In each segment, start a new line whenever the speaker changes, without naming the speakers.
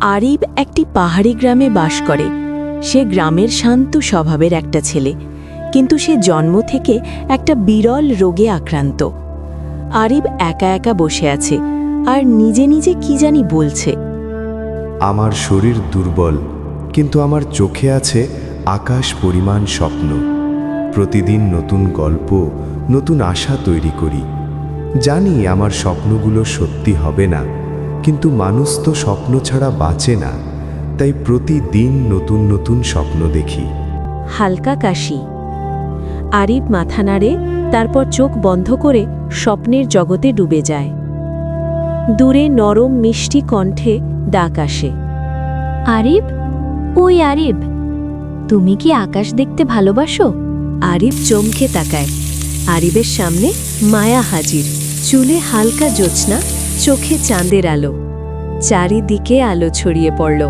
আরিব একটি পাহাড়ি গ্রামে বাস করে। সে গ্রামের শান্ত স্বভাবের একটা ছেলে, কিন্তু সে জন্ম থেকে একটা বিরল রোগে আক্রান্ত। আরিব একা একা বসে আছে আর নিজে নিজে কি জানি বলছে।
আমার শরীর দুর্বল, কিন্তু আমার চোখে আছে আকাশ পরিমাণ স্বপ্ন। প্রতিদিন নতুন গল্প, নতুন আশা তৈরি করি। জানি আমার স্বপ্নগুলো সত্যি হবে না, কিন্তু মানুষ তো স্বপ্ন ছাড়া বাঁচে না। তাই প্রতিদিন নতুন নতুন স্বপ্ন দেখি।
হালকা কাশি। আরিব মাথা নাড়ে, তারপর চোখ বন্ধ করে স্বপ্নের জগতে ডুবে যায়। দূরে নরম মিষ্টি কণ্ঠে ডাক আসে।
আরিব, ওই আরিব, তুমি কি আকাশ দেখতে ভালোবাসো?
আরিব চমকে তাকায়। আরিবের সামনে মায়া হাজির। চুলে হালকা জ্যোৎস্না, চোখে চাঁদের আলো। চারিদিকে আলো ছড়িয়ে পড়ল।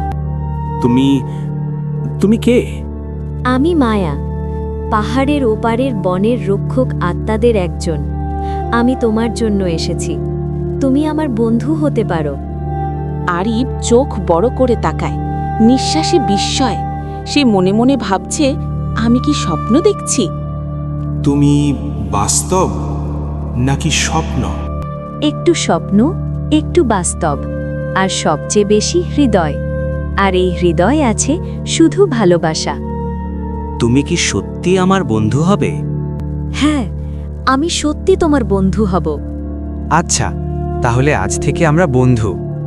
তুমি কে?
আমি মায়া, পাহাড়ের ওপারের বনের রক্ষক আত্মাদের একজন। আমি তোমার জন্য এসেছি। তুমি আমার বন্ধু হতে পারো।
আরিব চোখ বড় করে তাকায়, নিঃশ্বাসে বিস্ময়। সে মনে মনে ভাবছে, আমি কি স্বপ্ন দেখছি?
তুমি বাস্তব নাকি স্বপ্ন?
একটু স্বপ্ন, একটু বাস্তব, আর সবচেয়ে বেশি হৃদয়। আর এই হৃদয় আছে শুধু ভালোবাসা।
তুমি কি সত্যি আমার বন্ধু হবে?
হ্যাঁ, আমি সত্যি তোমার বন্ধু হব।
আচ্ছা, তাহলে আজ থেকে আমরা বন্ধু।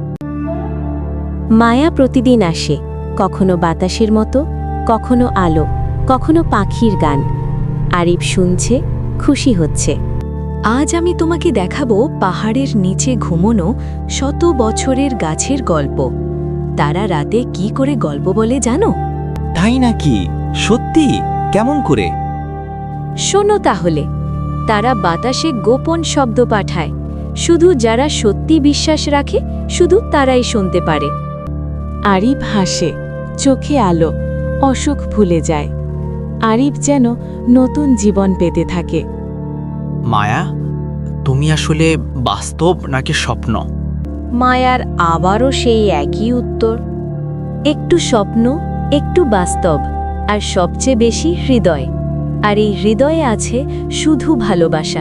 মায়া প্রতিদিন আসে, কখনো বাতাসের মতো, কখনো আলো, কখনো পাখির গান। আরিব শুনছে, খুশি হচ্ছে। আজ আমি তোমাকে দেখাবো পাহাড়ের নিচে ঘুমোনো শত বছরের গাছের গল্প। তারা রাতে কি করে গল্প বলে জানো?
তাই নাকি? সত্যি? কেমন করে?
শোনো তাহলে। তারা বাতাসে গোপন শব্দ পাঠায়। শুধু যারা সত্যি বিশ্বাস রাখে, শুধু তারাই শুনতে পারে। আরিব হাসে, চোখে আলো, অসুখ ভুলে যায়। আরিব যেন নতুন জীবন পেতে থাকে।
মায়া, তুমি আসলে বাস্তব নাকি স্বপ্ন?
মায়ার আবারও সেই একই উত্তর। একটু স্বপ্ন, একটু বাস্তব, আর সবচেয়ে বেশি হৃদয়। আর এই হৃদয়ে আছে শুধু ভালোবাসা।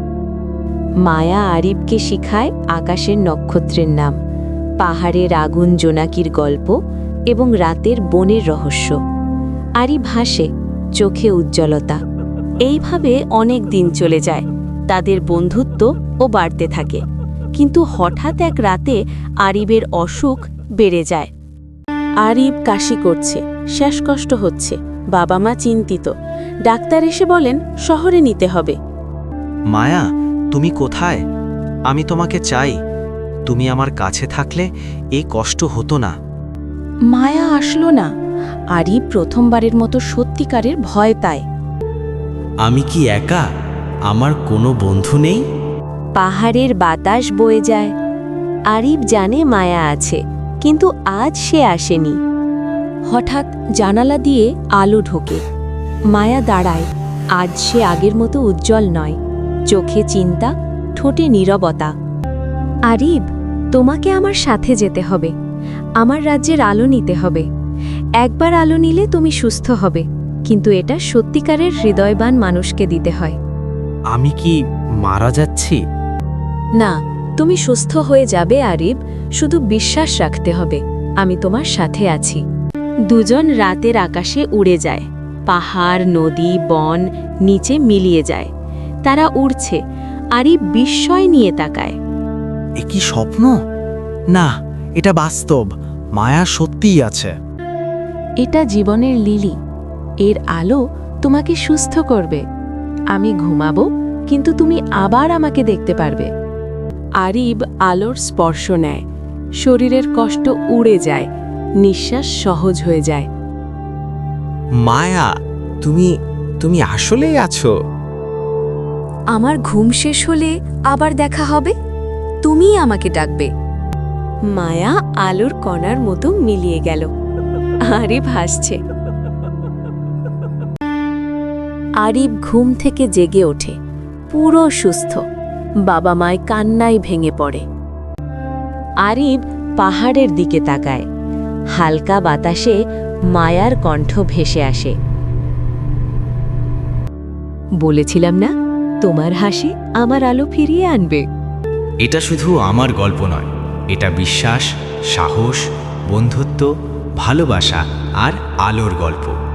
মায়া আরিবকে শিখায় আকাশের নক্ষত্রের নাম, পাহাড়ের আগুন জোনাকির গল্প এবং রাতের বনের রহস্য। আরিব হাসে, চোখে উজ্জ্বলতা। এইভাবে অনেক দিন চলে যায়। তাদের বন্ধুত্ব ও বাড়তে থাকে। কিন্তু হঠাৎ এক রাতে আরিবের অসুখ বেড়ে যায়। আরিব কাশি করছে, শ্বাসকষ্ট হচ্ছে। বাবা মা চিন্তিত। ডাক্তার এসে বলেন শহরে নিতে হবে।
মায়া, তুমি কোথায়? আমি তোমাকে চাই। তুমি আমার কাছে থাকলে এই কষ্ট হতো না।
মায়া আসলো না। আরিব প্রথমবারের মতো সত্যিকারের ভয় পায়।
আমি কি একা? আমার কোনো বন্ধু নেই?
পাহাড়ের বাতাস বয়ে যায়। আরিব জানে মায়া আছে, কিন্তু আজ সে আসেনি। হঠাৎ জানালা দিয়ে আলো ঢোকে। মায়া দাঁড়ায়। আজ সে আগের মতো উজ্জ্বল নয়। চোখে চিন্তা, ঠোঁটে নীরবতা। আরিব, তোমাকে আমার সাথে যেতে হবে। আমার রাজ্যের আলো নিতে হবে। একবার আলো নিলে তুমি সুস্থ হবে, কিন্তু এটা সত্যিকারের হৃদয়বান মানুষকে দিতে হয়।
আমি কি মারা যাচ্ছি?
না, তুমি সুস্থ হয়ে যাবে আরিব। শুধু বিশ্বাস রাখতে হবে, আমি তোমার সাথে আছি। দুজন রাতের আকাশে উড়ে যায়। পাহাড়, নদী, বন নিচে মিলিয়ে যায়। তারা উড়ছে। আরিব বিস্ময় নিয়ে তাকায়।
এ কি স্বপ্ন? না, এটা বাস্তব। মায়া সত্যিই আছে।
এটা জীবনের লিলি। এর আলো তোমাকে সুস্থ করবে। আমি ঘুমাবো, কিন্তু তুমি আবার আমাকে দেখতে পারবে। আরিব আলোর স্পর্শ নেয়। শরীরের কষ্ট উড়ে যায়। নিঃশ্বাস সহজ হয়ে যায়।
মায়া, তুমি আসলেই আছো?
আমার ঘুম শেষ হলে আবার দেখা হবে। তুমিই আমাকে ডাকবে। মায়া আলোর কণার মতো মিলিয়ে গেল। আরিব হাসছে। আরিব ঘুম থেকে জেগে ওঠে, পুরো সুস্থ। বাবা মায় কান্নায় ভেঙে পড়ে। আরিব পাহাড়ের দিকে তাকায়।
হালকা বাতাসে মায়ার কণ্ঠ ভেসে আসে।
বলেছিলাম না, তোমার হাসি আমার আলো ফিরিয়ে আনবে।
এটা শুধু আমার গল্প নয়, এটা বিশ্বাস, সাহস, বন্ধুত্ব, ভালোবাসা আর আলোর গল্প।